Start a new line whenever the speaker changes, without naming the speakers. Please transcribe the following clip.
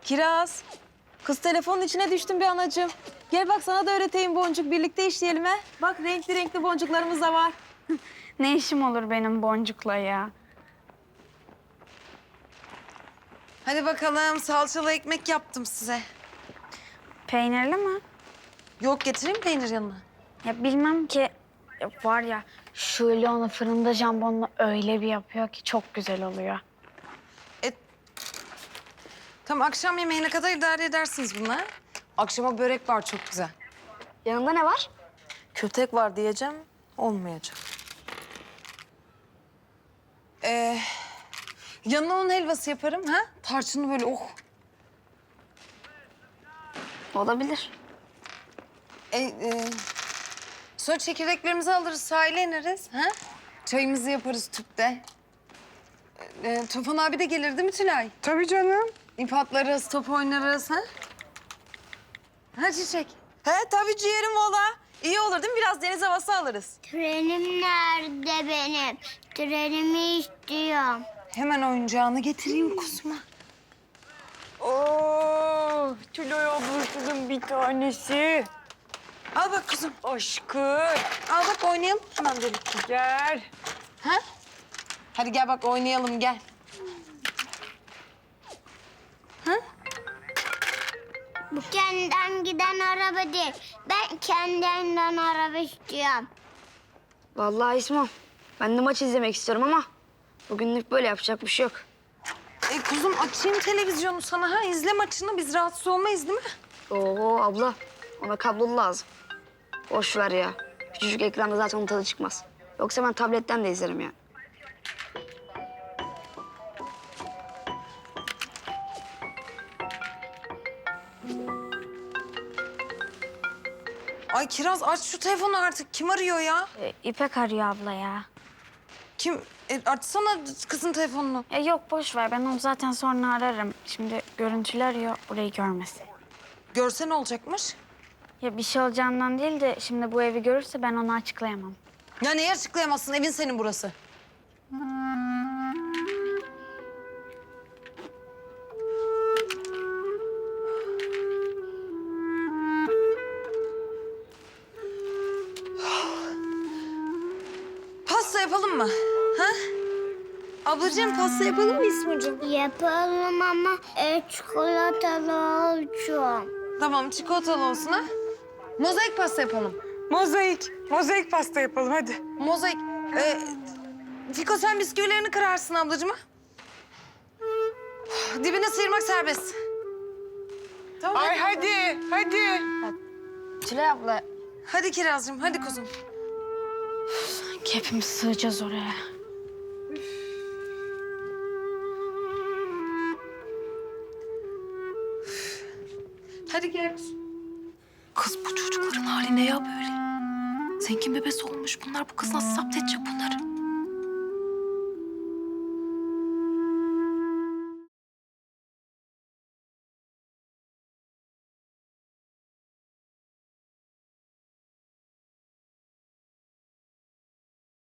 Kiraz. Kız telefonun içine düştüm bir anacığım. Gel bak sana da öğreteyim boncuk. Birlikte işleyelim he. Bak renkli renkli boncuklarımız da var.
Ne işim olur benim boncukla ya?
Hadi bakalım salçalı ekmek yaptım size.
Peynirli mi?
Yok getireyim peynir yanına.
Ya bilmem ki. Ya var ya şöyle onu fırında jambonla öyle bir yapıyor ki çok güzel oluyor.
Tam akşam yemeğine kadar idare edersiniz bunlar. Akşama börek var çok güzel.
Yanında ne var?
Kötek var diyeceğim. Olmayacak.
Yanına un helvası yaparım ha. Tarçınlı böyle oh.
Olabilir.
Sonra çekirdeklerimizi alırız sahile ineriz ha. Çayımızı yaparız tüpte. Tufan abi de gelir değil mi Tülay?
Tabii canım.
İp atlarız, top oynarız ha. Ha Çiçek.
He tabii ciğerim valla. İyi olur değil mi? Biraz deniz havası alırız.
Trenim nerede benim? Trenimi istiyorum.
Hemen oyuncağını getireyim kuzuma.
Oo, Tülay ablasının bir tanesi.
Al bak kuzum.
Aşkım,
Al bak oynayalım hemen birlikte.
gel.
Ha? Hadi gel bak oynayalım gel.
Bu kendinden giden araba değil. Ben kendimden araba istiyorum.
Vallahi İsmo, ben de maç izlemek istiyorum ama bugünlük böyle yapacak bir şey yok.
Kuzum açayım televizyonu sana ha. İzle maçını biz rahatsız olmayız değil mi?
Oo abla, ona kablolu lazım. Boş ver ya. Küçücük ekranda zaten onun tadı çıkmaz. Yoksa ben tabletten de izlerim ya.
Ay Kiraz aç şu telefonu artık. Kim arıyor ya?
İpek arıyor abla ya.
Kim? Açsana kızın telefonunu.
Yok boş ver, ben onu zaten sonra ararım. Şimdi görüntülü arıyor, burayı görmesin.
Görse ne olacakmış?
Ya bir şey olacağından değil de şimdi bu evi görürse ben onu açıklayamam.
Ya neyi açıklayamazsın? Evin senin burası. Pasta yapalım mı? Ha? Ablacığım pasta yapalım mı İsmucuğum?
Yapalım ama çikolatalı olsun.
Tamam çikolatalı olsun ha. Mozaik pasta yapalım.
Mozaik pasta yapalım hadi.
Mozaik. Fiko sen bisküvilerini kırarsın ablacığıma. Dibine sıyırmak serbest. Tamam.
Ay hadi.
Tülay abla,
Hadi Kirazcığım, hadi kuzum.
hepimiz sığacağız oraya.
Hadi gel.
Kız bu çocukların hali ne ya böyle? Zengin bebesi olmuş bunlar. Bu kız nasıl zapt edecek bunları?